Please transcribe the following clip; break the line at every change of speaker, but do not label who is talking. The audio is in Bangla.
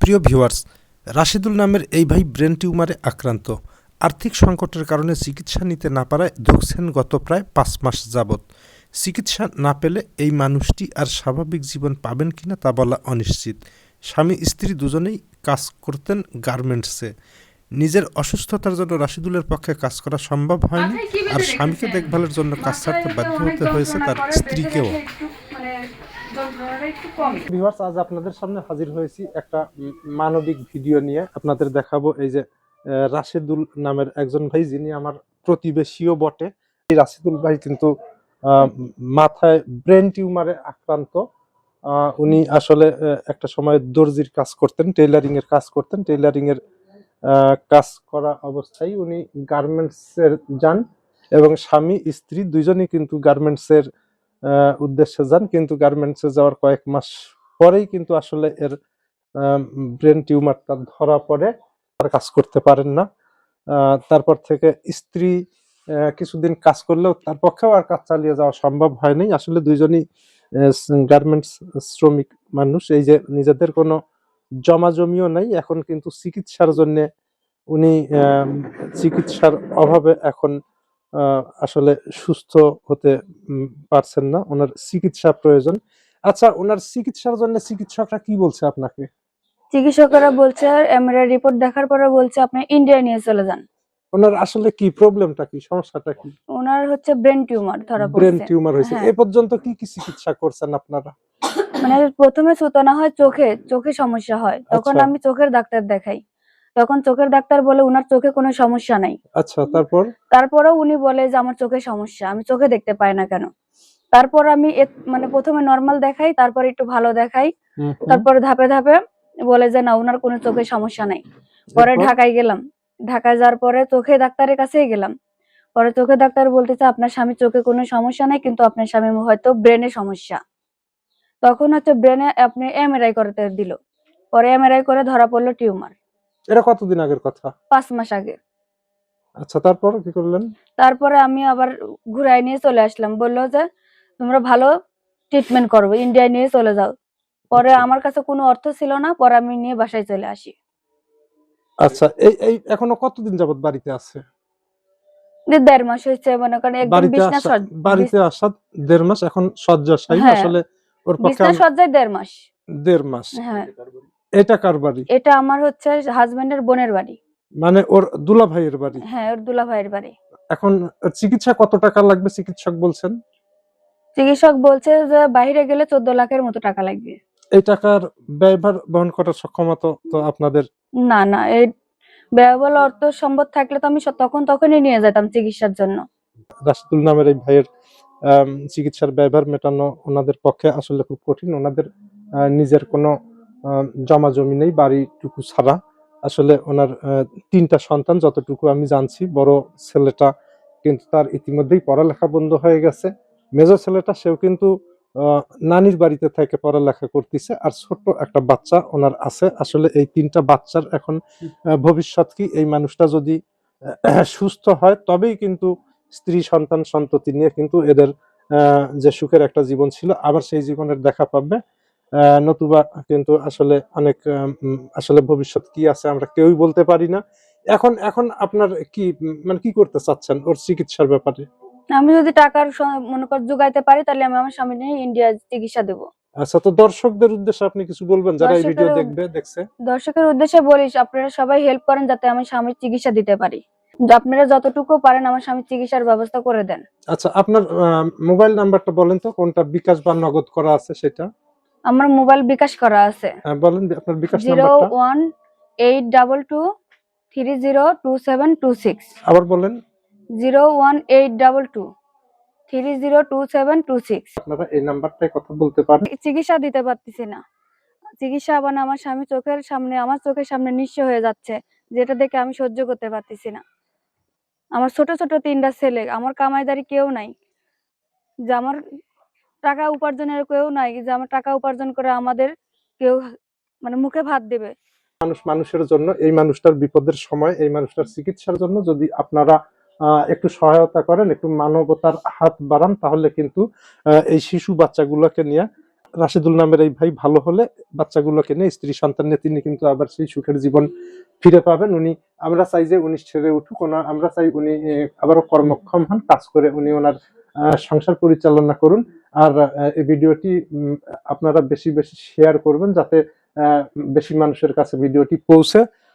প্রিয় ভিউয়ার্স, রাশিদুল নামের এই ভাই ব্রেন টিউমারে আক্রান্ত। আর্থিক সংকটের কারণে চিকিৎসা নিতে না পারায় ধুঁকছেন গত প্রায় ৫ মাস যাবৎ। চিকিৎসা না পেলে এই মানুষটি আর স্বাভাবিক জীবন পাবেন কিনা তা বলা অনিশ্চিত। স্বামী স্ত্রী দুজনেই কাজ করতেন গার্মেন্টসে। নিজের অসুস্থতার জন্য রাশিদুলের পক্ষে কাজ করা সম্ভব হয়নি, আর স্বামীকে দেখভালের জন্য কাজ ছাড়তে বাধ্য হতে হয়েছে তার স্ত্রীকেও। ভিউয়ার্স, আজ আপনাদের সামনে হাজির হয়েছি একটা মানবিক ভিডিও নিয়ে। আপনাদের দেখাবো এই যে রাশিদুল নামের একজন ভাই, যিনি আমার প্রতিবেশীও বটে। এই রাশিদুল ভাই কিন্তু মাথায় ব্রেন টিউমারে আক্রান্ত। উনি আসলে একটা সময় দর্জির কাজ করতেন, টেইলারিং এর কাজ করতেন। টেইলারিং এর কাজ করা অবস্থায় উনি গার্মেন্টস এর যান, এবং স্বামী স্ত্রী দুইজনই কিন্তু গার্মেন্টস এর উদ্দেশ্যে যান। কিন্তু গার্মেন্টসে যাওয়ার কয়েক মাস পরেই কিন্তু আসলে এর ব্রেন টিউমারটা ধরা পড়ে, আর কাজ করতে পারেন না। তারপর থেকে স্ত্রী কিছুদিন কাজ করলেও তার পক্ষেও আর কাজ চালিয়ে যাওয়া সম্ভব হয়নি। আসলে দুইজনই গার্মেন্টস শ্রমিক মানুষ। এই যে নিজেদের কোনো জমা জমিও নাই, এখন কিন্তু চিকিৎসার জন্য উনি চিকিৎসার অভাবে এখন আসলে সুস্থ হতে পারছেন না। ওনার চিকিৎসা প্রয়োজন। আচ্ছা, ওনার চিকিৎসার জন্য চিকিৎসকরা কি বলছে আপনাকে?
চিকিৎসকরা বলছে, এমআরআই রিপোর্ট দেখার পরে বলছে আপনি ইন্ডিয়া নিয়ে চলে যান।
ওনার আসলে কি প্রবলেমটা, কি সমস্যাটা কি?
ওনার হচ্ছে ব্রেন টিউমার ধরা পড়ছে।
ব্রেন টিউমার হয়েছে। এ পর্যন্ত কি কি চিকিৎসা করছেন আপনারা?
মানে প্রথমে সুতনা হয় চোখে সমস্যা হয়, তখন
আচ্ছা।
আমি চোখের ডাক্তার দেখাই। তখন চোখের ডাক্তার বলে উনার চোখে কোনো সমস্যা নাই।
আচ্ছা,
তারপরেও উনি বলে যে আমার চোখে সমস্যা, আমি চোখে দেখতে পাই না কেন। তারপর আমি মানে প্রথমে নরমাল দেখাই, তারপর একটু ভালো দেখাই, তারপরে ধাপে ধাপে বলে যে না, উনার কোনো চোখে সমস্যা নাই। পরে ঢাকায় গেলাম। ঢাকায় যাওয়ার পরে চোখে ডাক্তারের কাছেই গেলাম। পরে চোখে ডাক্তার বলতেছে আপনার স্বামীর চোখে কোনো সমস্যা নাই, কিন্তু আপনার স্বামীর হয়তো ব্রেনে সমস্যা। তখন হচ্ছে ব্রেনে আপনি এমআরআই করতে দিল। পরে এমআরআই করে ধরা পড়লো টিউমার।
এটা কতদিন আগের কথা?
5 মাস আগে।
আচ্ছা, তারপর কি করলেন?
তারপরে আমি আবার ঘুরাই নিয়ে চলে আসলাম। বললো যে তোমরা ভালো ট্রিটমেন্ট করবে, ইন্ডিয়ায় নিয়ে চলে যাও। পরে আমার কাছে কোনো অর্থ ছিল না, পরে আমি নিয়ে বাসায় চলে আসি।
আচ্ছা, এই এখনো কতদিন যাবত বাড়িতে আছে?
1.5 মাস হয়েছে, মনে করেন একদম
বাড়িতে আসা 1.5 মাস, এখন শয্যাশায়ী। আসলে ওর পক্ষে
বিছনা সজ্জায় 1.5 মাস।
1.5 মাস।
হ্যাঁ।
এটা কার বাড়ি?
এটা আমার হচ্ছে হাজবেন্ডের বোনের বাড়ি।
মানে ওর দুলা ভাইয়ের বাড়ি?
হ্যাঁ, ওর দুলা ভাইয়ের বাড়ি।
এখন চিকিৎসা কত টাকা লাগবে চিকিৎসক বলছেন?
চিকিৎসক বলছে যে বাইরে গেলে 14 লাখের মতো টাকা লাগবে।
এই টাকার ব্যয়ভার বহন করার সক্ষমতা তো আপনাদের?
না, এই ব্যয়বহুল অর্থ সম্পদ থাকলে তো আমি তখনই নিয়ে যেতাম চিকিৎসার জন্য।
রাশিদুল নামের এই ভাইয়ের চিকিৎসার ব্যয়ভার মেটানো ওনাদের পক্ষে আসলে খুব কঠিন। ওনাদের নিজের কোনো জমা জমি নেই, বাড়িটুকু ছাড়া। আসলে ওনার 3টা সন্তান, যতটুকু আমি জানছি। বড় ছেলেটা কিন্তু তার ইতিমধ্যেই পড়ালেখা বন্ধ হয়ে গেছে। মেজর ছেলেটা, সেও কিন্তু নানির বাড়িতে থেকে পড়ালেখা করতেছে। আর ছোট্ট একটা বাচ্চা ওনার আছে। আসলে এই 3টা বাচ্চার এখন ভবিষ্যৎ কি? এই মানুষটা যদি সুস্থ হয় তবেই কিন্তু স্ত্রী সন্তান সন্ততি নিয়ে কিন্তু এদের যে সুখের একটা জীবন ছিল, আবার সেই জীবনের দেখা পাবে। নতুবা কিন্তু আসলে অনেক আসলে ভবিষ্যৎ কি আছে আমরা কেউই বলতে পারি না। এখন আপনার কি মানে কি করতে চাচ্ছেন ওর চিকিৎসার ব্যাপারে?
আমি যদি টাকার মনে কর জোগাইতে পারি, তাহলে আমি আমার স্বামী নিয়ে ইন্ডিয়া চিকিৎসা দেব।
আচ্ছা, তো দর্শকদের উদ্দেশ্যে আপনি কিছু বলবেন যারা এই ভিডিও দেখছে?
দর্শকের উদ্দেশ্যে বলিস, আপনারা সবাই হেল্প করেন যাতে আমি স্বামীর চিকিৎসা দিতে পারি। আপনারা যতটুকু পারেন আমার স্বামীর চিকিৎসার ব্যবস্থা করে দেন।
আচ্ছা, আপনার মোবাইল নাম্বারটা বলেন তো, কোনটা বিকাশ বা নগদ করা আছে সেটা?
আমার মোবাইল বিকাশ করা আছে।
বলেন আপনার বিকাশ নাম্বারটা।
01822302726।
আবার বলেন।
01822302726।
আপনারা এই নাম্বারটায় কথা বলতে পারেন।
চিকিৎসা দিতে পারতেছি না। চিকিৎসা আবার আমার স্বামী আমার চোখের সামনে নিঃস্ব হয়ে যাচ্ছে, যেটা দেখে আমি সহ্য করতে পারতেছি না। আমার ছোট ছোট 3টা ছেলে, আমার কামাইদারি কেউ নাই, যে আমার টাকা উপার্জনের কেউ নাই, যে আমার টাকা উপার্জন করে আমাদের কেউ মানে মুখে ভাত দেবে।
মানুষের জন্য, এই মানুষটার বিপদের সময় এই মানুষটার চিকিৎসার জন্য যদি আপনারা একটু সহায়তা করেন, একটু মানবতার হাত বাড়ান, তাহলে কিন্তু এই শিশু বাচ্চাগুলোকে নিয়ে রাশেদুল নামের এই ভাই ভালো হলে বাচ্চাগুলোকে নিয়ে স্ত্রী সন্তান নিয়ে তিনি কিন্তু আবার সেই সুখের জীবন ফিরে পাবেন। আমরা চাই যে উনি ছেড়ে উঠুক, আমরা চাই উনি আবারও কর্মক্ষম হন, কাজ করে উনি ওনার সংসার পরিচালনা করুন। আর এই ভিডিওটি আপনারা বেশি বেশি শেয়ার করবেন, যাতে বেশি মানুষের কাছে ভিডিওটি পৌঁছে।